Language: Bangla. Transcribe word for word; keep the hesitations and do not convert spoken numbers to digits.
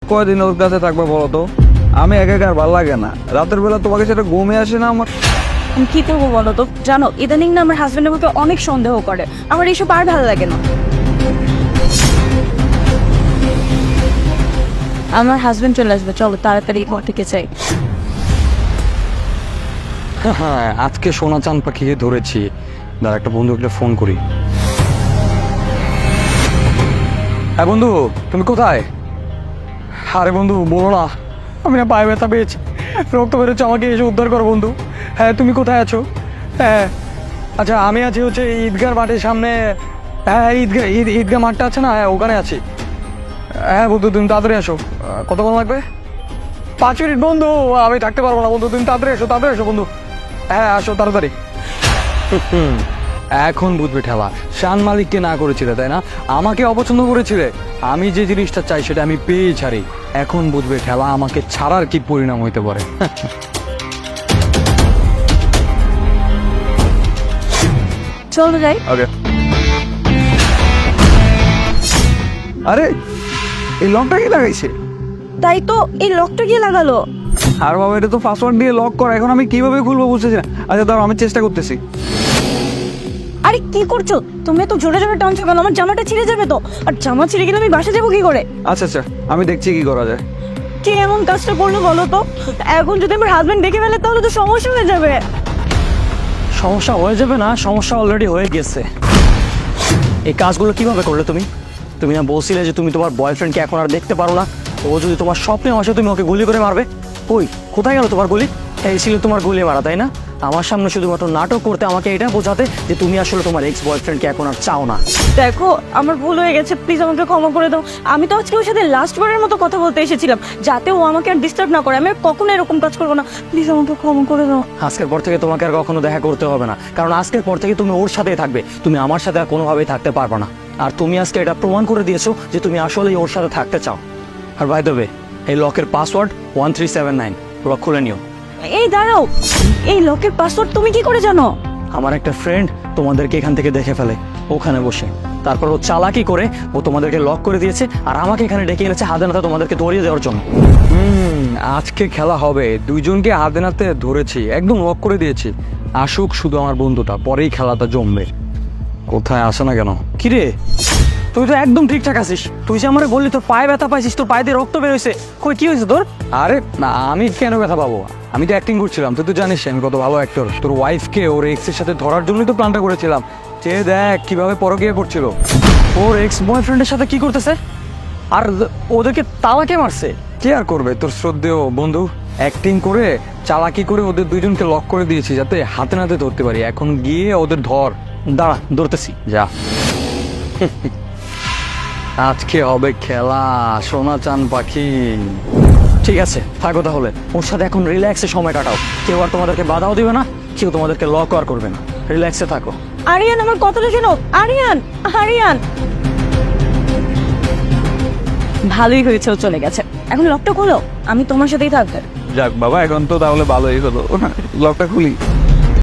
কয়দিন ওর কাছে থাকবে বলো তো? আমি একা একা আর ভালো লাগে না, রাতের বেলা তোমাকে সেটা ঘুমে আসে না আমার। আমি কি করবো বলো তো? জানো ইদানিং না আমার হাজবেন্ড আমাকে অনেক সন্দেহ করে, আমার এইসব আর ভালো লাগে না। আমার হাজবেন্ড চলে আসবে, চলো তাড়াতাড়ি ঘর থেকে চাই। হ্যাঁ, আজকে সোনা চাঁদ পাখিকে ধরেছি। দাঁড়া, একটা বন্ধুকে ফোন করি। হ্যাঁ বন্ধু, তুমি কোথায়? আরে বন্ধু বলো না, আমি না পায়ে ব্যথা পেয়েছি, রক্ত বেরোচ্ছে, আমাকে এসে উদ্ধার করো বন্ধু। হ্যাঁ তুমি কোথায় আছো? হ্যাঁ আচ্ছা, আমি আছি হচ্ছে ঈদগাহ মাঠের সামনে। হ্যাঁ ঈদগাহ ঈদ ঈদগাহ মাঠটা আছে না, হ্যাঁ ওখানে আছি। হ্যাঁ বন্ধু তুমি তাড়াতাড়ি আসো। কতক্ষণ লাগবে? পাঁচ মিনিট বন্ধু, আমি থাকতে পারবো না বন্ধু, তুমি তাড়াতাড়ি এসো, তাড়াতাড়ি এসো বন্ধু। হ্যাঁ আসো তাড়াতাড়ি। হুম, এখন বুঝবে ঠেলা। শান মালিককে না করেছিলে তাই না, আমাকে অপছন্দ করেছিলে। আমি যে জিনিসটা চাই সেটা আমি পেয়ে ছাড়ি। এখন বুঝবে ঠেলা আমাকে ছাড়ার কি পরিণাম হইতে পারে। চলো যাই। ওকে। আরে এই লকটা কি লাগাইছে? তাই তো, এই লকটা গিয়ে লাগালো। আর বাবা, এটা তো পাসওয়ার্ড দিয়ে লক করা, এখন আমি কিভাবে খুলবো বুঝতেছি না। আচ্ছা দাঁড়াও, আমি চেষ্টা করতেছি। আরে কি করছো তুমি? তো জোরে জোরে টানছো কেন? আমার জামাটা ছিঁড়ে যাবে তো। আর জামা ছিঁড়ে গেলে আমি বাসা যাবো কি করে? আচ্ছা আচ্ছা, আমি দেখছি কি করা যায়। কে এমন কাজটা করলো বলো তো? এখন যদি আমার হাজবেন্ড দেখে ফেলে তাহলে তো সমস্যা হয়ে যাবে। সমস্যা হয়ে যাবে না, সমস্যা অলরেডি হয়ে গেছে। এই কাজগুলো কিভাবে করলে তুমি? তুমি না বলছিলে যে তুমি তোমার বয়ফ্রেন্ডকে এখন আর দেখতে পারো না? ও যদি তোমার স্বপ্নে আসে তুমি ওকে গুলি করে মারবে। কই, কোথায় গেল তোমার গুলি? এই ছিল তোমার গুলি মারা, তাই না? আমার সামনে শুধুমাত্র নাটক করতে, আমাকে এটা বোঝাতে যে তুমি আসলে তোমার এক্স বয়ফ্রেন্ডকে এখন আর চাও না। দেখো আমার ভুল হয়ে গেছে, প্লিজ আমাকে ক্ষমা করে দাও। আমি তো আজকে ওর সাথে লাস্ট বারের মতো কথা বলতে এসেছিলাম, যাতে ও আমাকে আর ডিস্টার্ব না করে। আমি আর কখনো এরকম কাজ করবো না, প্লিজ আমাকে ক্ষমা করে দাও। আজকের পর থেকে তোমাকে আর কখনো দেখা করতে হবে না, কারণ আজকের পর থেকে তুমি ওর সাথেই থাকবে, তুমি আমার সাথে আর কোনোভাবেই থাকতে পারবে না। আর তুমি আজকে এটা প্রমাণ করে দিয়েছো যে তুমি আসলেই ওর সাথে থাকতে চাও। আর বাই দ্য ওয়ে, এই লকের password one three seven nine, lock খুলে নিও। এই দাঁড়াও, এই লকের পাসওয়ার্ড তুমি কি করে জানো? আমার একটা ফ্রেন্ড তোমাদেরকে এখান থেকে দেখে ফেলে ওখানে বসে, তারপর ও চালাকি করে ও তোমাদেরকে লক করে দিয়েছে আর আমাকে এখানে ডেকে এনেছে হাতে নাতে তোমাদেরকে ধরিয়ে দেওয়ার জন্য। হুম, আজকে খেলা হবে। দুইজনকে হাতে নাতে ধরেছি, একদম লক করে দিয়েছি। আসুক শুধু আমার বন্ধুটা, পরেই খেলাটা জমবে। কোথায় আসে না কেন? কিরে, তুই তো একদম ঠিকঠাক আছিস। তুই যে আমারে বললি তোর পায়ে ব্যথা পাইছিস, তোর পায়ে দিয়ে রক্ত বের হয়েছে। কই, কি হয়েছে তোর? আরে না, আমি কেন ব্যথা পাবো? আমি তো অ্যাক্টিং করছিলাম, তুই তো জানিস আমি কত ভালো অ্যাক্টর। তোর ওয়াইফকে ওর এক্সের সাথে ধরার জন্যই তো প্ল্যানটা করেছিলাম। যে দেখ কিভাবে পরকীয়া করছিল। ওর এক্স বয়ফ্রেন্ডের সাথে কি করতেছে? আর ওদেরকে তালাকে মারছে। কে আর করবে, তোর শ্রদ্ধেয় বন্ধু অ্যাক্টিং করে চালাকি করে ওদের দুইজনকে লক করে দিয়েছি যাতে হাতে নাতে ধরতে পারি। এখন গিয়ে ওদের ধর। দাঁড়া, ধরতেছি। যা। আজকে হবে খেলা, সোনা চাঁদ পাখি। ঠিক আছে, থাকো তাহলে। ওর সাথে এখন রিল্যাক্সে সময় কাটাও। কেউ আর তোমাদেরকে বাধাও দিবে না, কেউ তোমাদেরকে লক আর করবে না। রিল্যাক্সে থাকো। আরিয়ান, আমার কথাটা শোনো। আরিয়ান, আরিয়ান। ভালোই হয়েছে ও চলে গেছে, এখন লকটা খোলো, আমি তোমার সাথেই থাকবো। যাক বাবা, এখন তো তাহলে ভালোই হলো, লকটা খুলি।